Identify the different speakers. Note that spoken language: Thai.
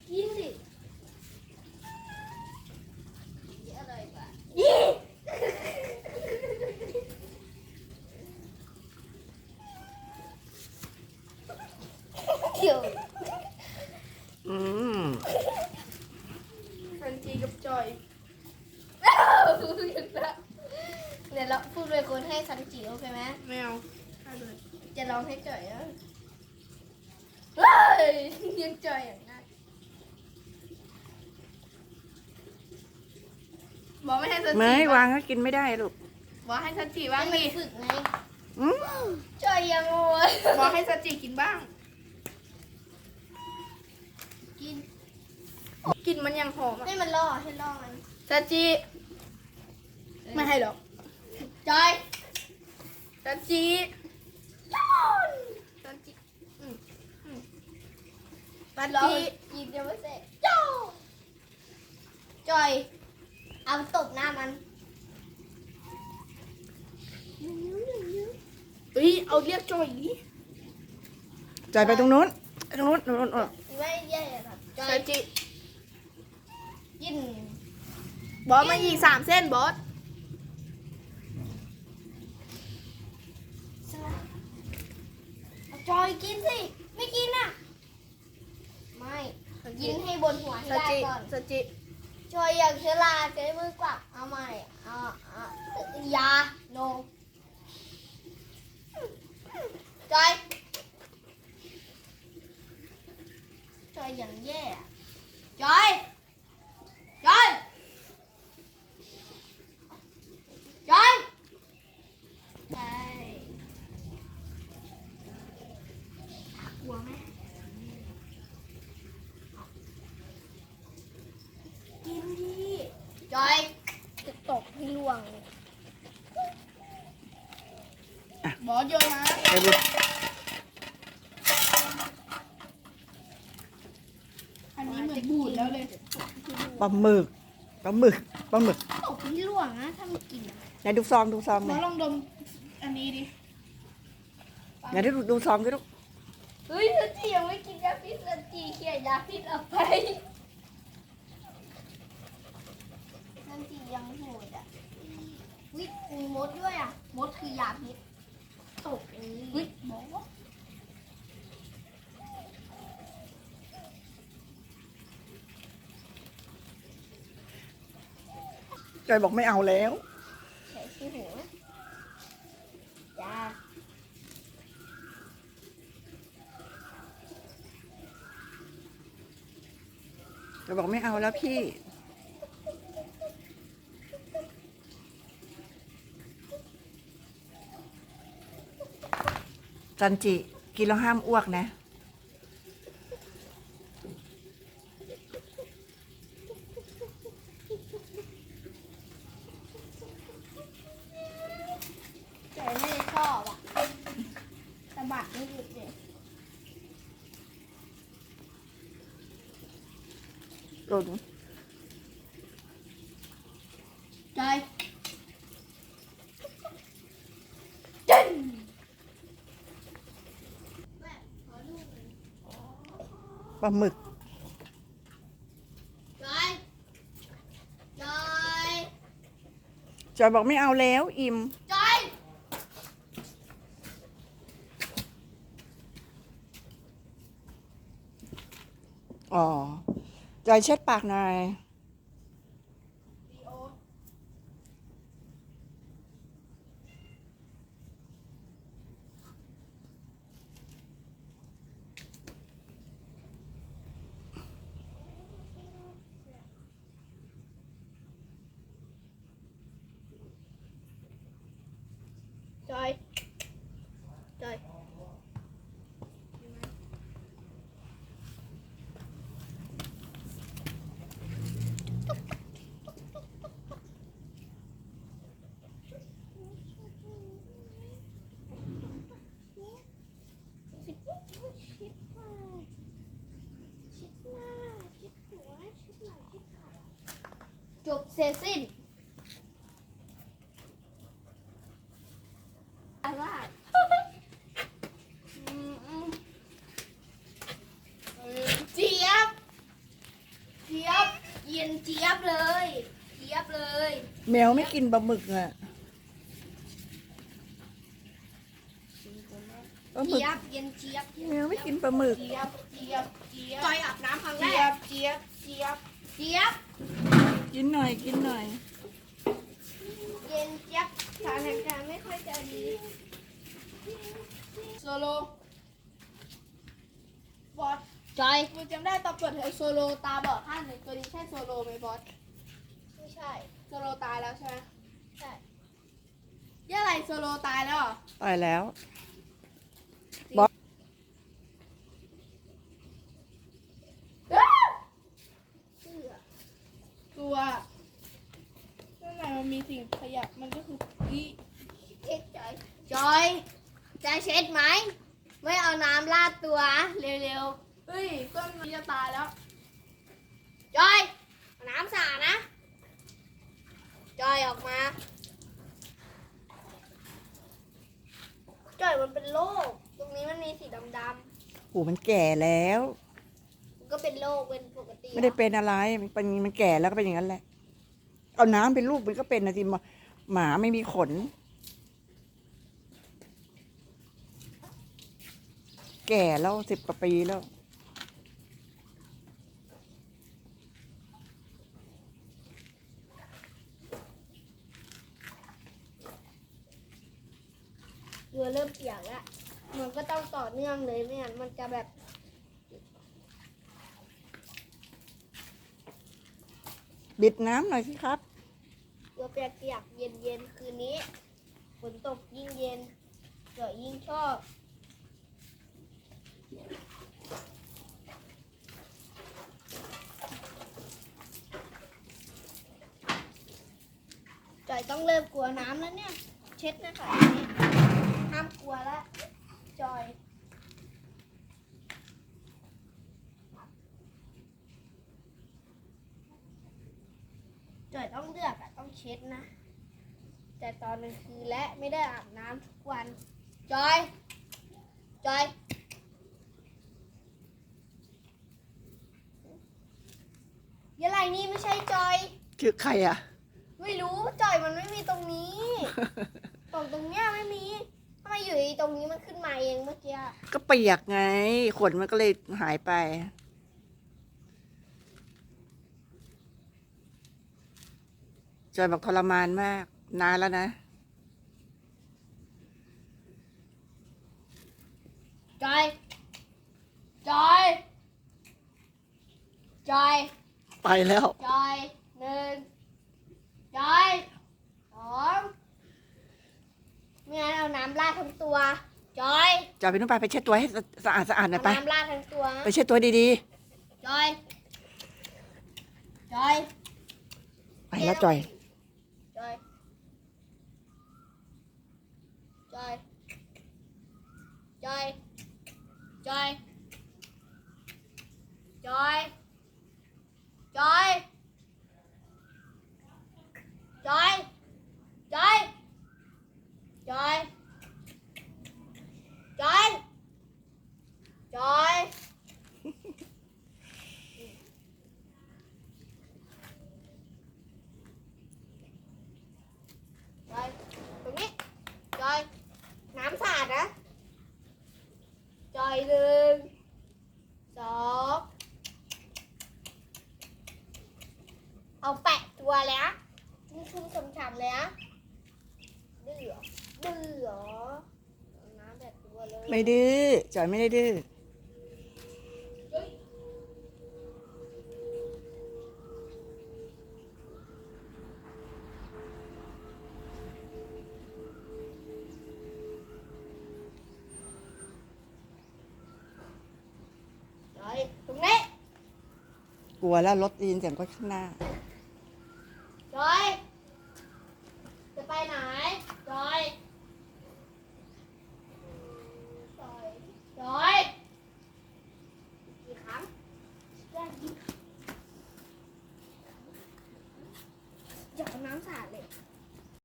Speaker 1: กินดิอร่อยกว่ายี่เดี๋ยว
Speaker 2: ซันจีกับจอย
Speaker 1: เดี๋ยวเราพูดเป็นคนให้ซันจิโอเคไหม
Speaker 2: แมวให้เลย
Speaker 1: จะร้องให้จ่อยอ่ะเฮ้ยยังจ่อยอย่างนั้น
Speaker 2: บอกไม่ให้ซันจี
Speaker 3: ไม่วางก็กินไม่ได้ลูก
Speaker 2: บอกให้ซันจีบ้าง
Speaker 1: ไม่
Speaker 2: ดิ
Speaker 1: ฝึกไง
Speaker 3: อืม
Speaker 1: จ่อยยังโง่
Speaker 2: บอกให้ซันจีกินบ้าง
Speaker 1: กิน
Speaker 2: กินมันยังหอมอ่ะ
Speaker 1: ให้มันล่อให้ล่อมัน
Speaker 2: ซันจีไม่ให้หรอก
Speaker 1: จ่อย
Speaker 2: ซันจี
Speaker 1: ย้อน
Speaker 2: ซันจีซัน
Speaker 1: ล่อ
Speaker 2: จี
Speaker 1: ยิงยังไม่เสร็จย้อนจ่อยเอาตบหน้ามัน
Speaker 2: เฮ้ยเอาเรียกจอยดิ
Speaker 3: จอยไปตรงนู้นตรงนู้นตรงนู้น
Speaker 1: ไม่แย่ครับจ่อ
Speaker 2: ซั
Speaker 1: ย
Speaker 2: นจี
Speaker 1: กิน
Speaker 2: บอสมาอีก3 เส้นบอส
Speaker 1: จอยกินสิไม่กินอ่ะไม่กินให้บนหัวให้
Speaker 2: ซัน
Speaker 1: ได้
Speaker 2: จี
Speaker 1: ก่อน
Speaker 2: ซันจี
Speaker 1: จอยอยากเชลาใช้มือกวักเอาใหม่ยาโนจอยจอยอย่างแย่อะจอยจอยจอยใช่กลัวไหมกินดิจอยจะตกให้ล่วงเลย
Speaker 2: บอสโยนมา
Speaker 3: ไปดู
Speaker 2: อันนี้เหมือนบูดแล้วเลย
Speaker 3: ปลาหมึกปลาหมึกปลาหมึก
Speaker 1: ตกให้ล่วงนะถ้าไม่กินอะ
Speaker 3: ไหนดูซอง
Speaker 2: บ
Speaker 3: ห
Speaker 2: อ
Speaker 3: น่อ
Speaker 2: ส
Speaker 3: ย
Speaker 2: ลองดมอันนี้ดิ
Speaker 3: ไหนดูซองดิลูก
Speaker 1: เฮ้ยสันจียังไม่กินยาพิษสันจีเขี่ยยาพิษออกไปสันจียังโหดอ่ะวิมีมดด้วยอ่ะมดคือยาพิษตกอย่างนี้
Speaker 2: เฮ้ยบอส
Speaker 3: จอยบอกไม่เอาแล้ว
Speaker 1: ใส่ที่หัวจ้า
Speaker 3: จอยบอกไม่เอาแล้วพี่จันจิกินแล้วห้ามอ้วกนะ
Speaker 1: แต่ไม่ได้ชอบอ่ะสะบัดไม่หยุดเลย
Speaker 3: โดน
Speaker 1: จอยจิ้นแม่ขอลูกหน่อย
Speaker 3: ปลาหมึก
Speaker 1: จอยจอย
Speaker 3: จอยบอกไม่เอาแล้วอิ่ม
Speaker 1: จอย
Speaker 3: อ๋อจอยเช็ดปากหน่อย
Speaker 1: จอยจอยจบเสร็จสิ้นอะไรเจี๊ยบย็นเจี๊ยบเลยเจี๊ยบเลย
Speaker 3: แมวไม่กินปลาหมึกอ่ะปลาหมึก
Speaker 1: เจี๊ยบเย็นเจี๊ยบ
Speaker 3: แมวไม่กินปลาหมึก
Speaker 2: เจี๊ยบเจี๊ยบเจี๊ยบ
Speaker 1: จอยอาบน้ำครั้งแร
Speaker 2: เจี๊ย
Speaker 1: ก
Speaker 2: บเจี๊ยบเจี๊ยบ
Speaker 1: เจี๊ยบ
Speaker 3: กินหน่อยกินหน่อย
Speaker 1: เย็นเจี๊ยบสถานการณ์ไม่ค่อยจะดี
Speaker 2: โซโลบอส
Speaker 1: จอย
Speaker 2: กูจำได้ตอนเปิดเทอมโซโลตาบอดข้างหนึ่งตัวนี้ใช่โซโลไหมบอส
Speaker 1: ไม่ใช่
Speaker 2: โซโลตายแล้วใช่ไหม
Speaker 1: ใช่
Speaker 2: ยี่อะไรโซโลตายแล้วเหรอ
Speaker 3: ตายแล้ว
Speaker 1: เสื้อ
Speaker 2: ตัวข้างในมันมีสิ่งขยับมันก็คืออี
Speaker 1: เช็ดจอยจอยจะเช็ดไหมไม่เอาน้ำราดตัวเร็ว
Speaker 2: เฮ้ยต้นมันจะตายแล้ว
Speaker 1: ๆจอยเอาน้ำสาดนะจอยออกมาจอยมันเป็นโรคตรงนี้มันมีสีดำๆ
Speaker 3: โอ้มันแก่แล้ว
Speaker 1: ก็เป็นโรคเป็นปกติ
Speaker 3: ไม่ได้เป็นอะไรมันแก่แล้วก็เป็นอย่างนั้นแหละ เอาน้ำเป็นลูกมันก็เป็นนะทีหมาไม่มีขน แก่แล้ว10 กว่าปีแล้ว
Speaker 1: ตัวเริ่มเปียกแล้วมันก็ต้องต่อเนื่องเลยไม่งั้นมันจะแบบ
Speaker 3: บิดน้ำหน่อยสิครับ
Speaker 1: ตัวเปียกๆเย็นๆคืนนี้ฝนตกยิ่งเย็นเกิดยิ่งชอบจอยต้องเริ่มกลัวน้ำแล้วเนี่ย เช็ดนะคะอันนี้ห้ามกลัวแล้วจอยจอยต้องเลือกอะต้องเช็ดนะ แต่ตอนกลางคืนและไม่ได้อาบน้ำทุกวัน จอย จอยยังไงนี่ไม่ใช่จอย
Speaker 3: ชื่อใครอ่ะ
Speaker 1: ไม่รู้จอยมันไม่มีตรงนี้ ตรงเนี้ยไม่มีทำไมอยู่ตรงนี้มันขึ้นมาเองเมื่อกี้อะ
Speaker 3: ก็เปียกไง ขนมันก็เลยหายไป จอยบอกทรมานมาก นานแล้วนะ
Speaker 1: จอย จอย จอย
Speaker 3: ไปแล้ว
Speaker 1: จอยหนึ่งจอยสองไม่งั้นเอาน้ำราดทั้งตัว จอย
Speaker 3: จอยไปนู่นไปเช็ดตัวให้สะอาดหน่
Speaker 1: เอา
Speaker 3: อยไป
Speaker 1: น้ำราดทั้งตัว
Speaker 3: ไปเช็ดตัวดี
Speaker 1: จอย จอย
Speaker 3: ๆ ไปแล้วจอย
Speaker 1: จอย จอย จอย จอย จอย จอย จอย จอย จอย จอย จอย จอย ตรงนี้ จอย น้ำสาดนะ จอยหนึ่งสองเอาแปะตัวเลยนะนี่ชุ่มฉ่ำๆเลยนะดื้อเหรอดื้อเหรอเอาน้ำแบบตัวเลย
Speaker 3: ไม่ดื้อ จอยไม่ได้ดื้อ
Speaker 1: จอย ตรงนี้
Speaker 3: กลัวแล้วรถได้ยินเสียงก็ข้างหน้า